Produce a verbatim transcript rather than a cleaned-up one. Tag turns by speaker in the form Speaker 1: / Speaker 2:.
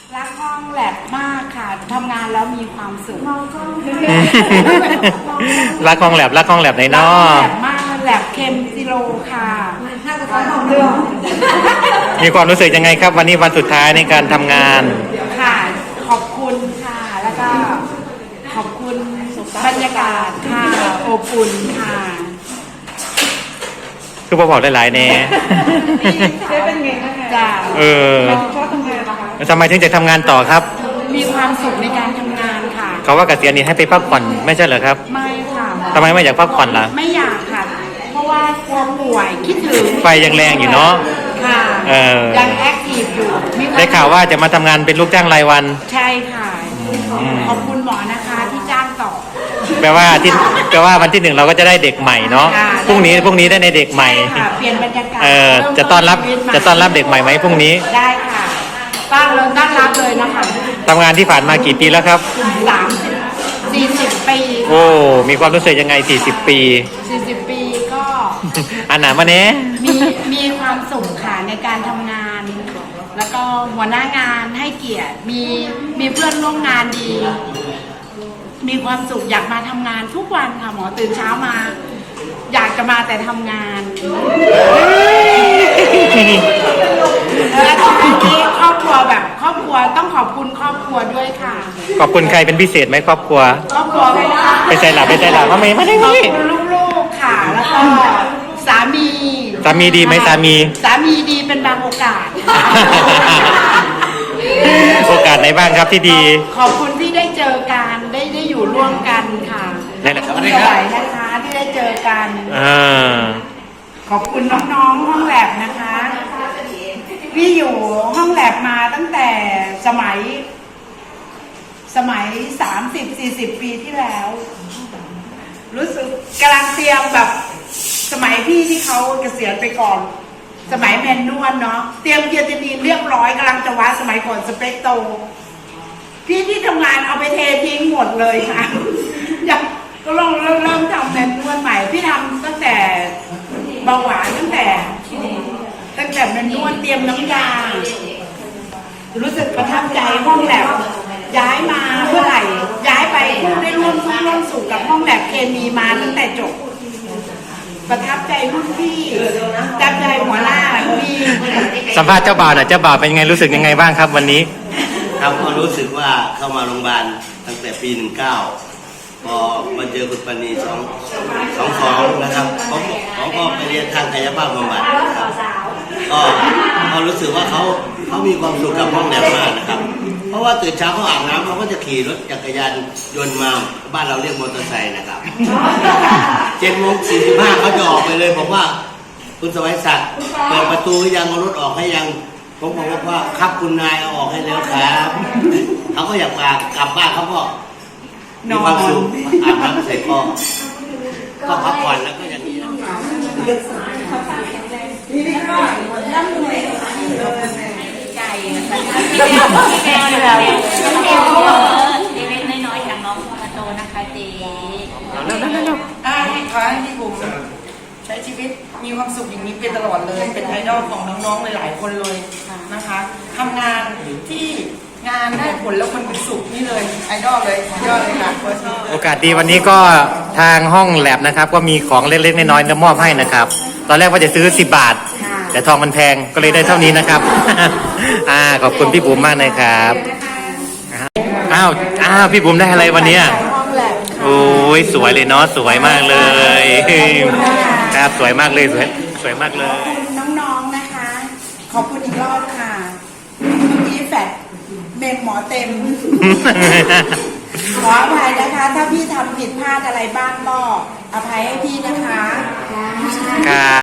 Speaker 1: รักห้องแลบมากค่ะทำงานแล้วมีความสุข
Speaker 2: รักห้องแลบรักห้องแลบในนอ
Speaker 1: แลบมากแลบเคมซิโลค่ะน่าจะต้องทำเรื่อง
Speaker 2: มีความรู้สึกยังไงครับวันนี้วันสุดท้ายในการทำงาน
Speaker 1: ค่ะขอบคุณค่ะแล้วก็ขอบคุณบรรยากาศค่ะอบอุ่นค่ะ
Speaker 2: คือพอบอกได้หลายแน่
Speaker 1: เจ๊เป็นไงบ้างจ้า
Speaker 2: เออ
Speaker 1: ชอบทำงานนะคะ
Speaker 2: ทำไมถึงจะทำงานต่อครับ
Speaker 1: มีความสุขในการทำงานค่ะ
Speaker 2: เขาว่าเกษียณนี้ให้ไปพักผ่อนไม่ใช่เหรอครับ
Speaker 1: ไม่ค่ะ
Speaker 2: ทำไมไม่อยากพักผ่อนล่ะ
Speaker 1: ไม่อยากค่ะเพราะว่ากลัวป่วยคิดถึง
Speaker 2: ไฟยังแรงอยู่เนาะ
Speaker 1: ค่ะยังแอคทีฟอยู่
Speaker 2: ได้ข่าวว่าจะมาทำงานเป็นลูกจ้างรายวัน
Speaker 1: ใช่ค่ะขอบคุณหมอนะคะที่จ้างต่อ
Speaker 2: แปลว่าที่แปลว่าวันที่หนึ่งเราก็จะได้เด็กใหม่เนาะพรุ่งนี้พรุ่งนี้ได้ในเด็กใหม่
Speaker 1: เปลี่ยนบรรยากาศ
Speaker 2: เออจะต้อนรับจะต้อนรับเด็กใหม่ไหมพรุ่งนี้
Speaker 1: ได้ค่ะต้อนเราต้อนรับเลยนะคะ
Speaker 2: ทำงานที่ผ่านมากี่ปีแล้วครับ
Speaker 1: สามสิบสี่สิบปี
Speaker 2: โอ้มีความรู้สึกยังไงสี่สิบปี
Speaker 1: สี่สิบปีก็
Speaker 2: อันหนามาเนี้ย
Speaker 1: มีมีความสุขค่ะในการทำงานแล้วก็หัวหน้างานให้เกียรติมีมีเพื่อนร่วมงานดีมีความสุขอยากมาทำงานทุกวันค่ะหมอตื่นเช้ามาอยากจะมาแต่ทำงานและทีนี้ครอบครัวแบบครอบครัวต้องขอบคุณครอบครัวด้วยค่ะ
Speaker 2: ขอบคุณใครเป็นพิเศษไหมครอบครัว
Speaker 1: ครอบครัว
Speaker 2: ไปใจหลับไปใจหลับทำไมไม่ได้
Speaker 1: ขอบคุณลูกๆค่ะแล้วก็สามี
Speaker 2: สามีดีไหมสามี
Speaker 1: สามีดีเป็นบางโอกาส
Speaker 2: โอกาสไหนบ้างครับที่ดี
Speaker 1: ขอบคุณที่ได้เจอกันได้ได้อยู่ร่วมกันค่ะ
Speaker 2: นั่นแหละครับ
Speaker 1: นะคะที่ได้เจอกันขอบคุณน้องๆห้องแลบนะคะพี่อยู่ห้องแลบมาตั้งแต่สมัยสมัยสามสิบสี่สิบปีที่แล้วรู้สึกกำลังเตรียมแบบสมัยพี่ที่เขาเกษียณไปก่อนสมัยแมนนวลเนาะเตรียมเกียรตินีเรียบร้อยกำลังจะวัดสมัยก่อนสเปกโตพี่ที่ทำงานเอาไปเททิ้งหมดเลยค่ะอยากก็ลองเริ่มเริ่มทำแมนนวลใหม่พี่ทำตั้งแต่เบาหวานตั้งแต่ตั้งแต่แมนนวลเตรียมน้ำยารู้สึกประทับใจห้องแลบย้ายมาเมื่อไหร่ย้ายไปได้ร่วมทุกข์ร่วมสุขกับห้องแลบเคมีมาตั้งแต่จบประทับใจรุ่นพี่ประทับใจหัวหน้าพี่
Speaker 2: สัมภาษณ์เจ้าบ่าวหน่อยเจ้าบ่าวเป็นยังไงรู้สึกยังไงบ้างครับวันนี้
Speaker 3: ครับก็รู้สึกว่าเข้ามาโรงพยาบาลตั้งแต่ปีหนึ่งเก้าพอมาเจอคุณปณีสองสองสองนะครับเขาเขาก็ไปเรียนทางกายภาพบำบัดนะครับก็ก็รู้สึกว่าเขาเขามีความสุขกับห้องแลบมากนะครับเพราะว่าตื่นเช้าเขาอาบน้ำเขาก็จะขี่รถจักรยานยนต์มาบ้านเราเรียกมอเตอร์ไซค์นะครับเจ็ดโมงสี่สิบห้าเขาจะออกไปเลยบอกว่าคุณสวัยศักดิ์เปิดประตูยังเอารถออกให้ยังผมบอกว่าครับคุณนายเอาออกให้แล้วครับเขาก็อยากมากลับบ้านเขาก็มีความสุขอาบน้ำเสร็จก็ก็พักผ่อนแล้วก็อย่างนี้
Speaker 4: ใจแม่เราเล็กๆน้อยๆอย่างน้องมาโตนะคะเจ๊
Speaker 1: แล้วแล้วแล้วอ่าขอให้พี่บุ๋มใช้ชีวิตมีความสุขอย่างนี้เป็นตลอดเลยเป็นไอดอลของน้องๆหลายๆคนเลยนะคะทำงานที่งานได้ผลแล้วมันเป็นสุขนี่เลยไอดอลเลยยอดเลยค่ะ
Speaker 2: โอกาสดีวันนี้ก็ทางห้องแลบนะครับก็มีของเล็กๆน้อยๆมามอบให้นะครับตอนแรกว่าจะซื้อสิบบาทแต่ทองมันแพงก็เลยได้เท่านี้นะครับอ่าขอบคุณพี่บุ๋มมากนะครับอ้าวอ้าวพี่บุ๋มได้อะไรวันนี้โอ้ยสวยเลยเนาะสวยมากเลยครับสวยมากเลยสวยสวยมากเลย
Speaker 1: น้องๆนะคะขอบคุณอีกรอบค่ะพี่แฟดเมมหมอเต็มขออภัยนะคะถ้าพี่ทำผิดพลาดอะไรบ้างก็อภัยให้พี่นะคะ